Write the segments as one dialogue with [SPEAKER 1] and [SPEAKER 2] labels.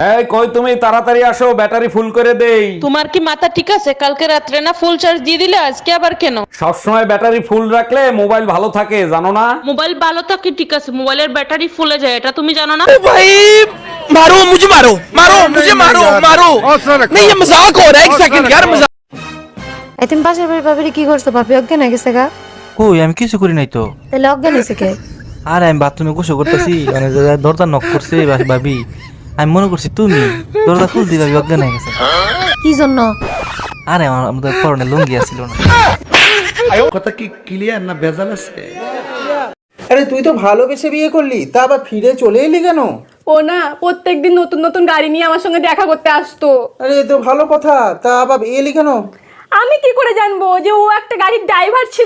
[SPEAKER 1] এই কই তুমি, তাড়াতাড়ি আসো, ব্যাটারি ফুল করে দেই।
[SPEAKER 2] তোমার কি মাথা ঠিক আছে? কালকে রাত্রে না ফুল চার্জ দিয়ে দিলে, আজকে আবার কেন?
[SPEAKER 1] সবসময় ব্যাটারি ফুল রাখলে মোবাইল ভালো থাকে, জানো না?
[SPEAKER 2] মোবাইল ভালো থাকে ঠিক আছে, মোবাইলের ব্যাটারি ফুলে যায়, এটা তুমি জানো না?
[SPEAKER 3] भाई मारो मुझे, मारो मुझे, मारो नहीं, ये मजाक हो रहा है। एक सेकंड यार, मजाक।
[SPEAKER 4] তুমি পাশের বাড়ির ভাবিরে কি করছো? ভাবি অজ্ঞান হয়ে গেছে গা।
[SPEAKER 5] কই আমি কিছু করি নাই তো।
[SPEAKER 4] তাহলে অজ্ঞান হয়েছে কে?
[SPEAKER 5] আরে আমি বাথরুমে গোসল করতেছি, মানে দরজা নক করছে ভাবি, আমি মনে করছি তুমি দরজা খুল দিই, ভাবি অজ্ঞান হয়ে গেছে।
[SPEAKER 4] কি জন্য?
[SPEAKER 5] আরে আমাদের পরনে লুঙ্গি আসছিল না।
[SPEAKER 6] কথা কি ক্লিয়ার না ভেজাল আছে?
[SPEAKER 7] আরে তুই তো ভালোবেসে বিয়ে করলি, তা আবার ফিরে চলে এলি কেন?
[SPEAKER 8] ও না প্রত্যেকদিন নতুন নতুন গাড়ি নিয়ে আমার সঙ্গে দেখা করতে আসতো।
[SPEAKER 7] আরে এ তো ভালো কথা, তা আবার এলি কেন?
[SPEAKER 8] আমি কি করে জানবো যে ও একটা গাড়ির ড্রাইভার ছিল?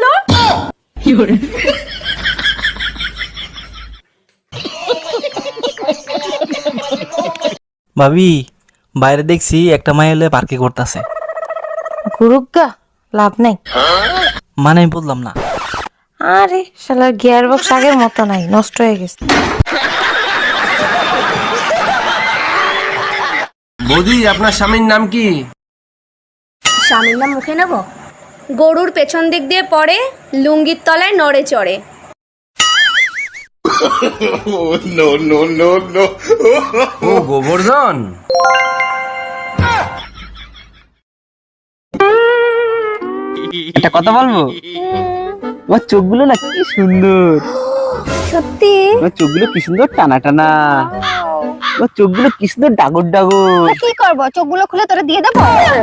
[SPEAKER 5] ভাবি বাইরে দেখছি একটা মাই এলে পার্কে করতেছে।
[SPEAKER 4] গুরুগা লাভ নাই।
[SPEAKER 5] মানে আমি বললাম না।
[SPEAKER 4] আরে শালার গিয়ার বক্স আগের মতো নাই, নষ্ট হয়ে গেছে।
[SPEAKER 3] বৌদি আপনার স্বামীর নাম কি?
[SPEAKER 9] স্বামীর নাম মুখে নেব? গরুর পেছন দিক দিয়ে পড়ে, লুঙ্গির তলায় নড়ে চড়ে।
[SPEAKER 3] ও গোবর্ধন।
[SPEAKER 5] একটা কথা বলবো? তোমার চোখগুলো না কি সুন্দর।
[SPEAKER 9] সত্যি?
[SPEAKER 5] তোমার চোখগুলো কি সুন্দর টানা টানা, তোমার চোখগুলো কি সুন্দর ডাগর ডাগর।
[SPEAKER 9] কি করবো, চোখগুলো খুলে তোরা দিয়ে দেবো?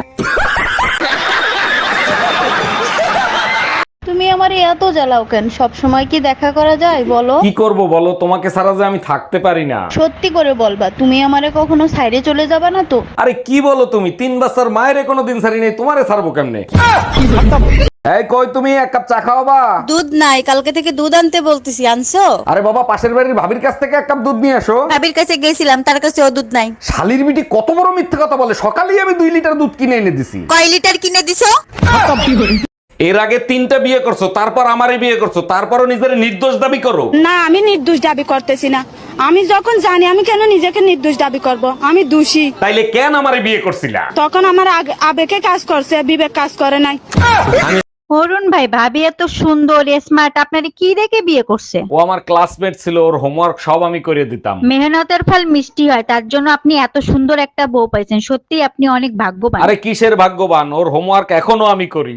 [SPEAKER 10] তুমি আমারে এত জ্বালাও কেন? সব সময় কি দেখা করা যায় বলো?
[SPEAKER 1] কি করব বলো, তোমাকে ছাড়া যে আমি থাকতে পারি না।
[SPEAKER 10] সত্যি করে বলবা, তুমি আমারে কখনো সাইডে চলে যাবা না তো?
[SPEAKER 1] আরে কি বলো তুমি, 3 বছর মায়ের কোনো দিন ছাড়ি নেই, তোমারে ছাড়বো কেমনে? এই কই তুমি, এক কাপ চা খাওয়াবা?
[SPEAKER 10] দুধ নাই, কালকে থেকে দুধ আনতে বলতেছি, আনছো?
[SPEAKER 1] আরে বাবা, পাশের বাড়ির ভাবির কাছ থেকে এক কাপ দুধ নিয়ে আসো।
[SPEAKER 10] ভাবির কাছে গেছিলাম, তার কাছে ও দুধ নাই।
[SPEAKER 1] শালির বিটি কত বড় মিথ্যে কথা বলে, সকালেই আমি 2 লিটার দুধ কিনে এনে দিছি।
[SPEAKER 10] কয় লিটার কিনে দিছো?
[SPEAKER 1] এর আগে 3টা বিয়ে করছো, তারপর আমারই বিয়ে করছো, তারপরও নিজের নির্দোষ দাবি করো।
[SPEAKER 8] না, আমি নির্দোষ দাবি করতেছি না। আমি যখন জানি, আমি কেন নিজেকে নির্দোষ দাবি করব? আমি দোষী।
[SPEAKER 1] তাইলে কেন আমারে বিয়ে করছিলা?
[SPEAKER 8] তখন আমার আবেগে কাজ করছে, বিবেক কাজ করে নাই।
[SPEAKER 10] অরুণ ভাই, ভাবি এত সুন্দর স্মার্ট, আপনারে কি দেখে বিয়ে করছে?
[SPEAKER 1] ও আমার ক্লাসমেট ছিল, ওর হোমওয়ার্ক সব আমি করে দিতাম।
[SPEAKER 10] মেহনতের ফল মিষ্টি হয়, তার জন্য আপনি এত সুন্দর একটা বউ পাইছেন। সত্যি আপনি অনেক ভাগ্যবান।
[SPEAKER 1] আরে কিসের ভাগ্যবান, ওর হোমওয়ার্ক এখনো আমি করি।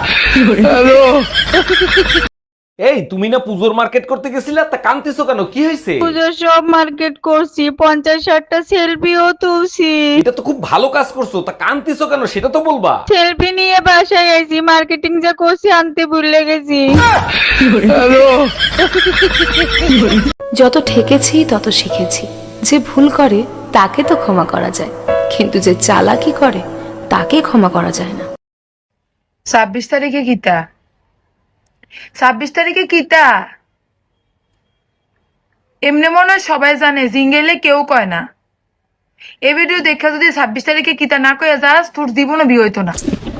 [SPEAKER 1] এই তুমি না পুজোর মার্কেট করতে গেছিলা, তা কান্তিছো কেন, কি হয়েছে?
[SPEAKER 10] পুজোর সব মার্কেট করছি, 50-60টা সেলফিও তুলছি।
[SPEAKER 1] এটা তো খুব ভালো কাজ করছো, তা কান্তিছো কেন সেটা তো বলবা।
[SPEAKER 10] সেলফি নিয়ে বাসায় আইছি, মার্কেটিং যা করছি আনতে ভুলে গেছি।
[SPEAKER 11] যত ঠেকেছি তত শিখেছি, যে ভুল করে তাকে তো ক্ষমা করা যায়, কিন্তু যে চালাকি করে তাকে ক্ষমা করা যায় না।
[SPEAKER 8] 26 তারিখে কিতা? 26 তারিখে কিতা? এমনি মনে হয় সবাই জানে, জিঙ্গেলে কেউ কয় না। এই ভিডিও দেখা যদি 26 তারিখে কিতা না কয়ে যাস, তোর জীবনে বিয়ে হইতো না।